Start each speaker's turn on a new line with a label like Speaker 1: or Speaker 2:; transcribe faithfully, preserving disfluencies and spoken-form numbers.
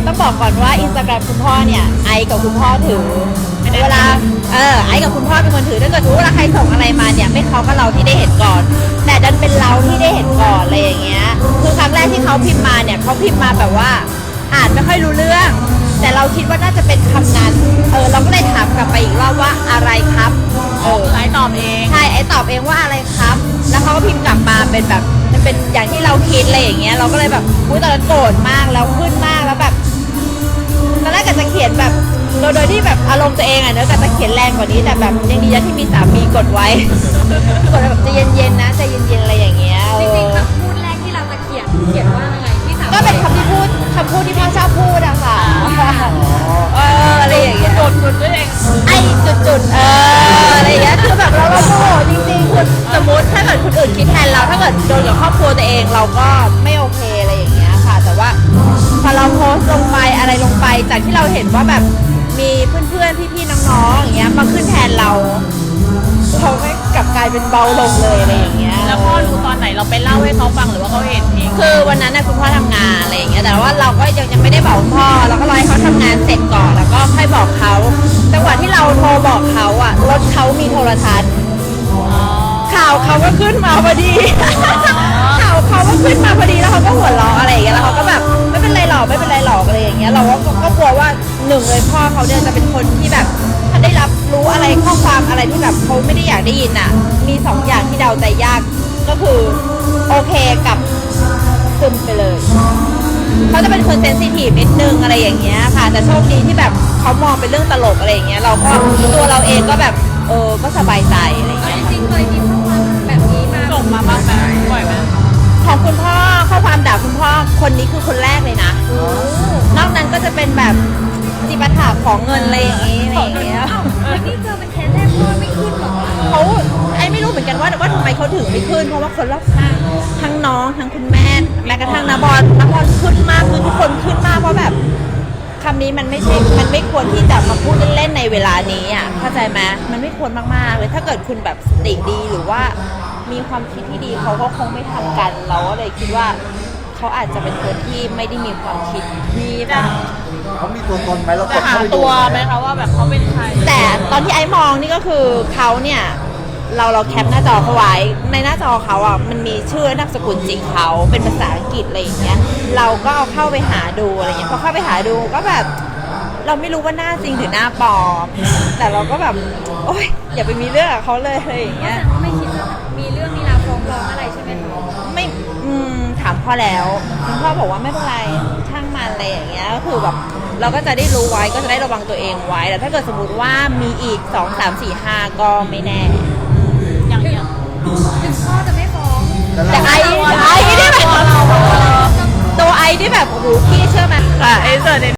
Speaker 1: ต้องบอกก่อนว่าอินสตาแกรมคุณพ่อเนี่ยไอกับคุณพ่อถือเวลาเออไอกับคุณพ่อเป็นคนถือถ้าเกิดรู้เวลาใครส่งอะไรมาเนี่ยไม่เขาก็เราที่ได้เห็นก่อน แต่ดันเป็นเราที่ได้เห็นก่อนอะไรอย่างเงี้ยคือครั้งแรกที่เขาพิมพ์มาเนี่ยเขาพิมพ์มาแบบว่าอ่านไม่ค่อยรู้เรื่อง แต่เราคิดว่าน่าจะเป็นคำนั้นเออเราก็เลยถามกลับไปอีกรอบว่าอะไรครับเออ
Speaker 2: ไอตอบเอง
Speaker 1: ใช่ไอตอบเองว่าอะไรครับแล้วเขาก็พิมพ์กลับมาเป็นแบบมันเป็นอย่างที่เราคิดอะไรอย่างเงี้ยเราก็เลยแบบอุ้ยตอนนั้นโกรธมากแล้วขึ้นมากแล้วแบบตอนแรกก็จะเขียนแบบโดยโดยที่แบบอารมณ์ตัวเองอ่ะเนอะก็จะเขียนแรงกว่านี้แต่แบบยังดีนะที่มีสามีกดไว้ กดแบบใจเย็นๆนะใจเย็นๆอะไรอย่างเงี้ย
Speaker 3: จริงๆคำพูดแรกที่เราจะเขียนเขียนว่าอะไรที่สาม
Speaker 1: ก็เป็นคำที่พูดคำพูดที่พ่อชอบพูดอะค่ะเอออะไรอย่างเงี้ย
Speaker 2: กดกดด้วยเอง
Speaker 1: ไอ้จุดๆเอออะไรอย่างเงี้ยคือแบบเราเราโมโหจริงๆคือสมมติถ้าเกิดคนอื่นคิดแทนเราถ้าเกิดโดนกับครอบครัวตัวเองเราก็ไม่โอเคอะไรอย่างเงี้ยค่ะแต่ว่าพอเราโพสต์ลงไปอะไรลงไปจากที่เราเห็นว่าแบบมีเพื่อนๆพี่ๆน้องๆอย่างเงี้ยมาขึ้นแทนเราเขาไม่กลับกลายเป็นเบาลงเลยอะไรอย่างเงี้ย
Speaker 2: แล้วพ่อรู้ตอนไหนเราไปเล่าให้เขาฟังหรือว่าเขาเห็นเอง
Speaker 1: คือวันนั้นนะคุณพ่อทำงานอะไรอย่างเงี้ยแต่ว่าเราก็ยังยังไม่ได้บอกคุณพ่อเราก็รอให้เขาทำงานเสร็จก่อนแล้วก็ค่อยบอกเขาจังหวะที่เราโทรบอกเขาอะรถเขามีโทรทัศน์ข่าวเขาก็ขึ้นมาพอดี ข่าวเขาก็ขึ้นมาพอดีแล้วเขาก็หัวเราะอะไรอย่างเงี้ยแล้วเขาก็แบบไม่เป็นไรหรอกไม่เป็นไรหรอกอะไรอย่างเงี้ยเราก็ก็กลัวว่าหนึ่งเลยพ่อเขาเนี่ยจะเป็นคนที่แบบถ้าได้รับรู้อะไรข้อความอะไรที่แบบเขาไม่ได้อยากได้ยินอะมีสองอย่างที่เดาใจยากก็คือโอเคกับซึมไปเลยเขาจะเป็นคนเซนซิทีฟนิดนึงอะไรอย่างเงี้ยค่ะแต่โชคดีที่แบบเขามองเป็นเรื่องตลกอะไรอย่างเงี้ยเราก็ตัวเราเองก็แบบเออก็สบายใจอะไรอย่าง
Speaker 3: เอา
Speaker 1: เงี้ย
Speaker 3: จริงๆเคยมีข้อความแบบนี้มา
Speaker 2: ส่งมาบ้างไหมบ่อยไหม
Speaker 1: ของคุณพ่อข้อความด่าคุณพ่อคนนี้คือคนแรกเลยนะนอกนั้นก็จะเป็นแบบจิปาถะของเงินอะไรอย่างงี้อะไรอย่างเงี้ย
Speaker 3: อ้าวแล้วนี่เจอเป็นเคสแรกพ่อไม่ขึ้นหรอ
Speaker 1: เขาไอ้ไม่รู้เหมือนกันว่าว่าทำไมเขาถึงไม่ขึ้นเพราะว่าคนรอบข้างทั้งน้องทั้งคุณแม่แม้กระทั่งนาบอลนาบอลขึ้นมากคือทุกคนขึ้นมากเพราะแบบคำนี้มันไม่ใช่มันไม่ควรที่จะมาพูดเล่นๆในเวลานี้อ่ะเข้าใจไหมมันไม่ควรมากๆเลยถ้าเกิดคุณแบบสติดีหรือว่ามีความคิดที่ดีเขาก็คงไม่ทำกันเราก็เลยคิดว่าเขาอาจจะเป็นคนที่ไม่ได้มีความคิดที่แบบ
Speaker 4: เขามีตัวตนไหมเรา
Speaker 2: จะ
Speaker 4: กด
Speaker 2: หา
Speaker 4: เข้าไปดู
Speaker 2: ตัวไหมคะว่าแบบเขาเป็นใคร
Speaker 1: แต่ตอนที่ไอ้มองนี่ก็คือเขาเนี่ยเราเราแคปหน้าจอเขาไว้ในหน้าจอเขาอ่ะมันมีชื่อนามสกุลจริงเขาเป็นภาษาอังกฤษอะไรอย่างเงี้ยเราก็เอาเข้าไปหาดูอะไรเงี้ยพอเข้าไปหาดูก็แบบเราไม่รู้ว่าหน้าจริงหรือหน้าปลอมแต่เราก็แบบโอ๊ยอย่าไปมีเรื่องกับเขาเลยอะไรอย่างเงี้ย
Speaker 3: แต่ว่าไม่คิดว่ามีเรื่องมีราวฟ้องร้องอะไรใช่ไหมคะ
Speaker 1: ไม่อืมถามพ่อแล้วคุณพ่อบอกว่าไม่เป็นไรช่างมันอะไรอย่างเงี้ยก็คือแบบเราก็จะได้รู้ไว้ก็จะได้ระวังตัวเองไว้แต่ถ้าเกิดสมมติว่ามีอีกสองสามสี่ห้าก็ไม่แน่
Speaker 2: อย่างอย่าง
Speaker 3: ถึงพ่อจะไม่ฟ้อง
Speaker 4: แล้ว
Speaker 1: แต่
Speaker 4: เรา
Speaker 1: ไอไอนี่แบบตัวไอนี่แบบโอ้โหพี่เชื่อไหม
Speaker 2: ค่ะไอ้เสิร์ช